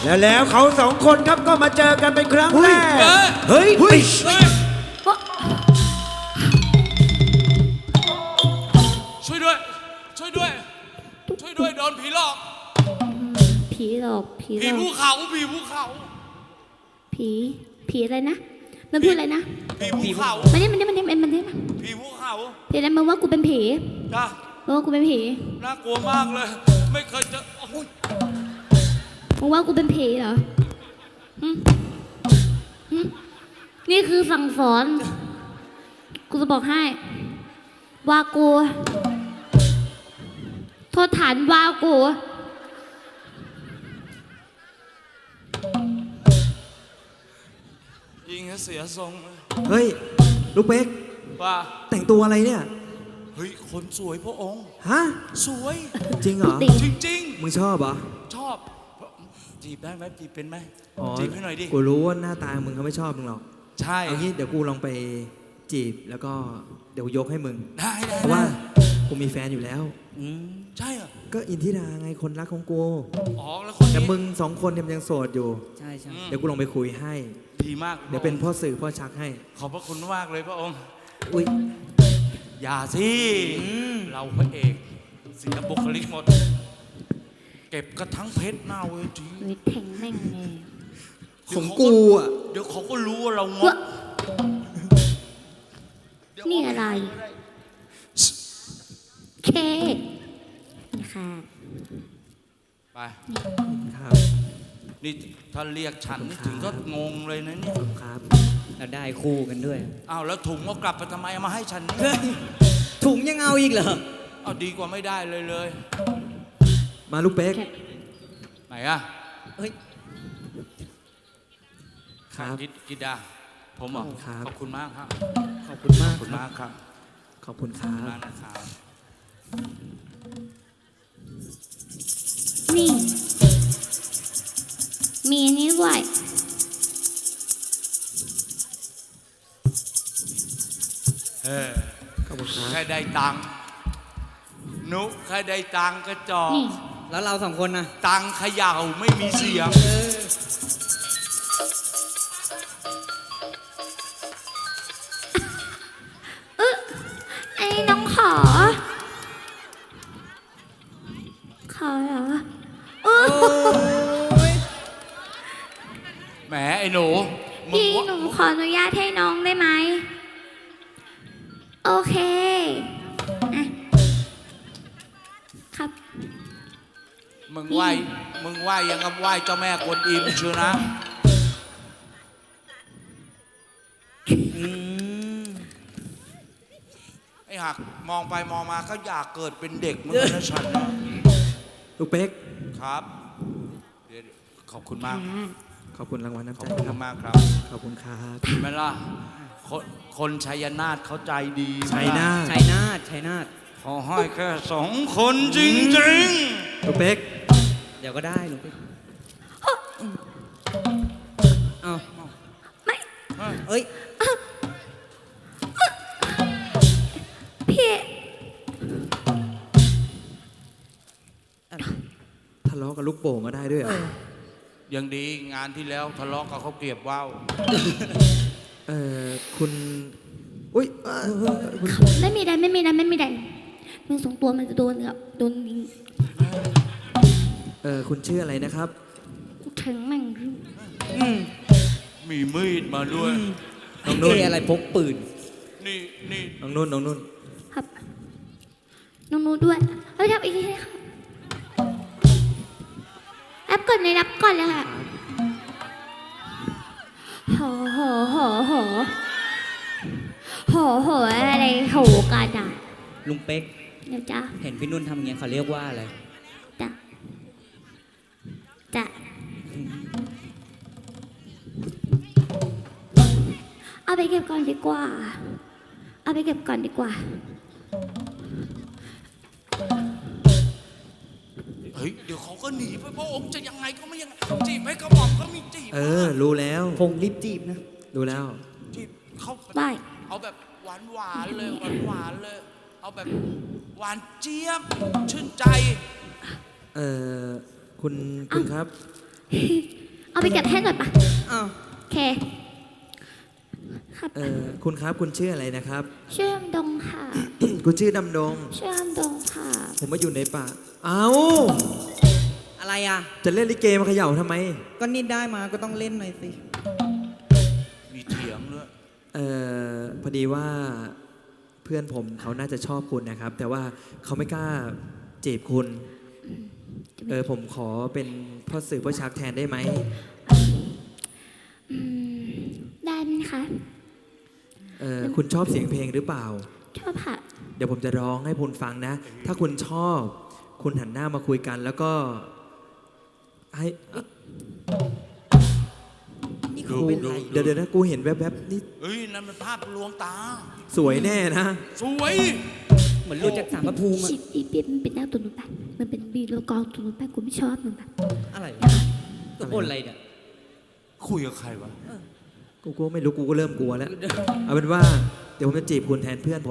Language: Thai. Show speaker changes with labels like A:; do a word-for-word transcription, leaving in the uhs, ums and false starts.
A: แล้วแล้วเขาสองคนครับก็มาเจอกันเป็นครั้งแรกเฮ้ยเฮ้ย
B: ช่วยด้วยช่วยด้วยช่วยด้วยโดนผีหลอก
C: ผีหลอกผีหล
B: ผี
C: อก
B: ภูเขาผีภูเขา
C: ผีผีอะไรนะมันพูดอะไรนะ
B: ผีภูเขา
C: มันนี่มันนี่มันนี่มันนี่
B: ผีภูเขา
C: ผีอะไรมึงว่ากูเป็นผี
B: จ้า
C: มึงว่ากูเป็นผี
B: น่ากลัวมากเลยไม่เคยเจอโอ้ย
C: มึงว่ากูเป็นผีเหรอหึหึนี่คือสั่งสอนกูจะบอกให้ว่ากูโทษฐานว่ากู
B: ยิงให้เสียทรงเลย
A: เฮ้ยลูกเป๊ก
B: ว่า
A: แต่งตัวอะไรเนี่ย
B: เฮ้ยคนสวยพระองค์
A: ฮะ
B: สวย
A: จริงเหรอ
C: ติ
B: จริง
A: มึงชอบเหรอ
B: ๆ ชอบจีบได้ไหมจีบเป็นไหม
A: อ๋อ
B: จีบให้หน่อยดิ
A: กูรู้ว่าหน้าตามึงเขาไม่ชอบมึงหรอก
B: ใช่
A: เอางี้เดี๋ยวกูลองไปจีบแล้วก็เดี๋ยวยกให้มึง
B: ได้ได้
A: เพราะว่ากูมีแฟนอยู่แล้ว
B: อืมใช่เหรอ
A: ก็อินทิราไงคนรักของกู
B: อ๋อแล้วคน
A: แต่
B: นี้
A: มึงสองคนเนี่ยมันยังโสดอยู่
D: ใช่ใช่
B: อืม
A: เดี๋ยวกูลองไปคุยให้
B: ดีมาก
A: เดี๋ยวเป็นพ่อสื่อพ่อชักให้
B: ขอบพระคุณมากเลยพระองค์
A: อุ้ย
B: อย่าสิเราพระเอกเสียบุคลิกหมด เก็บกระทั่งเพชรหน้าเวที
C: วิแทงแม่งเลย
A: ของกูอ่ะ
B: เดี๋ยวเขาก็รู้ว่าเราง
C: วะ
B: กเดี๋ยว
C: นี่อะไร เคนี่ค่ะ
B: ไป
A: ครับ
B: นี่ถ้าเรียกฉัน
A: ขอบคุณครับ
B: ถึงก็งงเลยนะเนี่ย
A: ครับ
D: เราได้คู่กันด้วย
B: อ้าวแล้วถุงก็กลับไปทำไมเอามาให้ฉัน
D: เฮ้
B: เนี่ย
D: ยถุงยังเอาอีกเหรอ
B: เอาดีกว่าไม่ได้เลยเลย
A: มาลูกเป๊ก
C: แค่
B: ไหนอะ
D: เฮ้ย
A: ครับ
B: กิดกิดาผมเหรอ
A: ครับ
B: ขอบคุณมากครับ
D: ขอบคุณมา
B: ข
D: ก
B: อบคุณ
D: ครับ
B: มากครับ
A: ขอบคุณค
B: ขอบ
A: รั
B: คุณ
A: บ
B: มากนะครับ
C: นี่ มีอันนี้ด้วย
B: เออ
A: ขอบคุณครับ
B: แค่ได้ตังค์นุแค่ได้ตังค์ก็จอก
C: นี่
D: แล้วเราสองคนนะ
B: ตังค์เขย่าไม่มีเสียง
C: ไอ้น้องขอ ขอเหรอเออ
B: แหมไอ้หนูมึง
C: พี่
B: ว่า
C: หนูขออนุญาตให้น้องได้ไหม โอเคอ่ะครับ
B: มึงไหวมึงไหวยังกับไหวเจ้าแม่กวนอิมเชียวนะ
D: อืม
B: ไอ้หักมองไปมองมาก็อยากเกิดเป็นเด็กเหมือนกันนะฉันนะ
A: ลูกเป๊ก
B: ครับเดี๋ยวขอบคุณมาก
A: ขอบคุณรางวัลน้ำ
B: ขอบ
A: ใจ
B: คุณ
A: ครับ
B: มากครับ
A: ขอบคุณครับ
B: เห็นไหมล่ะคนคนชัยนาทเขาใจดี
A: ชัยนาท
D: ชัยนาทชัยนาท
B: ขอให้แค่สองคนจริง
A: ลูกเป๊ก
D: เดี๋ยวก็ได้หนูเอา
C: ไม่
B: ๆ
D: เอ้ย
C: พี่
A: ทะเลาะกับลูกโป่งก็ได้ด้วยเหรอ
B: ยังดีงานที่แล้วทะเลาะกับเขาเกลียบว่าว
A: เออคุณอุ้ยเอ่อคุณ
C: ไม่มีใดไม่มีใดไม่มีใดมึงสองตัวมันจะโดนกับโดนยิง
A: เออคุณชื่ออะไรนะครับ
C: ถึงแม่ง
D: อืม
B: มีมีดมาด้วย
A: น้องนุ่น
D: เท่อะไรพกปืน
B: นี่นี่
A: น้องนุ่นน้องนุ่น
C: ครับน้องนูด้วยเฮ้ยทำอีกทีค่ะแอปก่อนเลยรับก่อนเลยค่ะโหโหโหโหโหโหอะไรโหกันอ่ะ
D: ลุงเป๊ก
C: เดี๋ยวจ้า
D: เห็นพี่นุ่นทำอย่างเงี้ยเขาเรียกว่าอะไร
C: จ้ะจ้ะเอาไปเก็บก่อนดีกว่า เอาไปเก็บก่อนดีกว่า
B: เฮ้ยเดี๋ยวเขาก็หนีไปพระองค์จะยังไงก็ไม่ยังไงจีบให้กระหม่อมก็มีจีบ
A: เออ รู้แล้ว
D: พงรีบจีบนะ
A: รู้แล้ว
B: จีบเขา
C: ได้
B: เอาแบบหวานหวานๆเลยหวานหวานๆเลย เอาแบบหวานเจี๊ยบชื่นใจ
A: เออคุณคุณครับ
C: เอาไปเก็บให้หน่อยปะ
D: อ้าว
C: โอเค ครับ
A: เออคุณครับคุณชื่ออะไรนะครับ
C: ชื่อดำดงค่ะ
A: คุณชื่อดำดง
C: ชื่อดำดงค่ะ
A: ผมมาอยู่ในป่าเอ้า
D: อะไรอ่ะ
A: จะเล่นลิเกมาเขย่าทำไม
D: ก็นี่ได้มาก็ต้องเล่นหน่อยสิ
B: มีเถียงด้วย
A: เออพอดีว่าเพื่อนผมเขาน่าจะชอบคุณนะครับ แต่ว่าเขาไม่กล้าจีบคุณ เออผมขอเป็นพ่อสื่อพ่อชักแทนได้ไหม
C: อืม ได้ไหมคะ
A: เออคุณชอบเสียงเพลงหรือเปล่า
C: ชอบค่ะ
A: เดี๋ยวผมจะร้องให้คุณฟังนะ ถ้าคุณชอบคุณหันหน้ามาคุยกัน แล้วก็ให้อ่ะ
D: นี่เขาเป็นไร
A: เดี๋ยวเดี๋ยวนะกูเห็นแวบๆนี่
B: เฮ้ย นั่นมันภาพลวงตา
A: สวยแน่นะ
B: สวย
D: เหมือนหลุดจากสารพระภูมิอะ
C: ชิบอีเปียมันเป็นหน้าตัวหนูไปมันเป็นบีโลกองตัวหนูไปกูไม่ชอบมันแบบ
D: อะไรตัวบนอะไรเนี่ย
B: คุยกับใครวะ
A: กูก็ไม่รู้กูก็เริ่มกลัวแล้ว เอาเป็นว่าเดี๋ยวผมจะจีบคุณแทนเพื่อนผม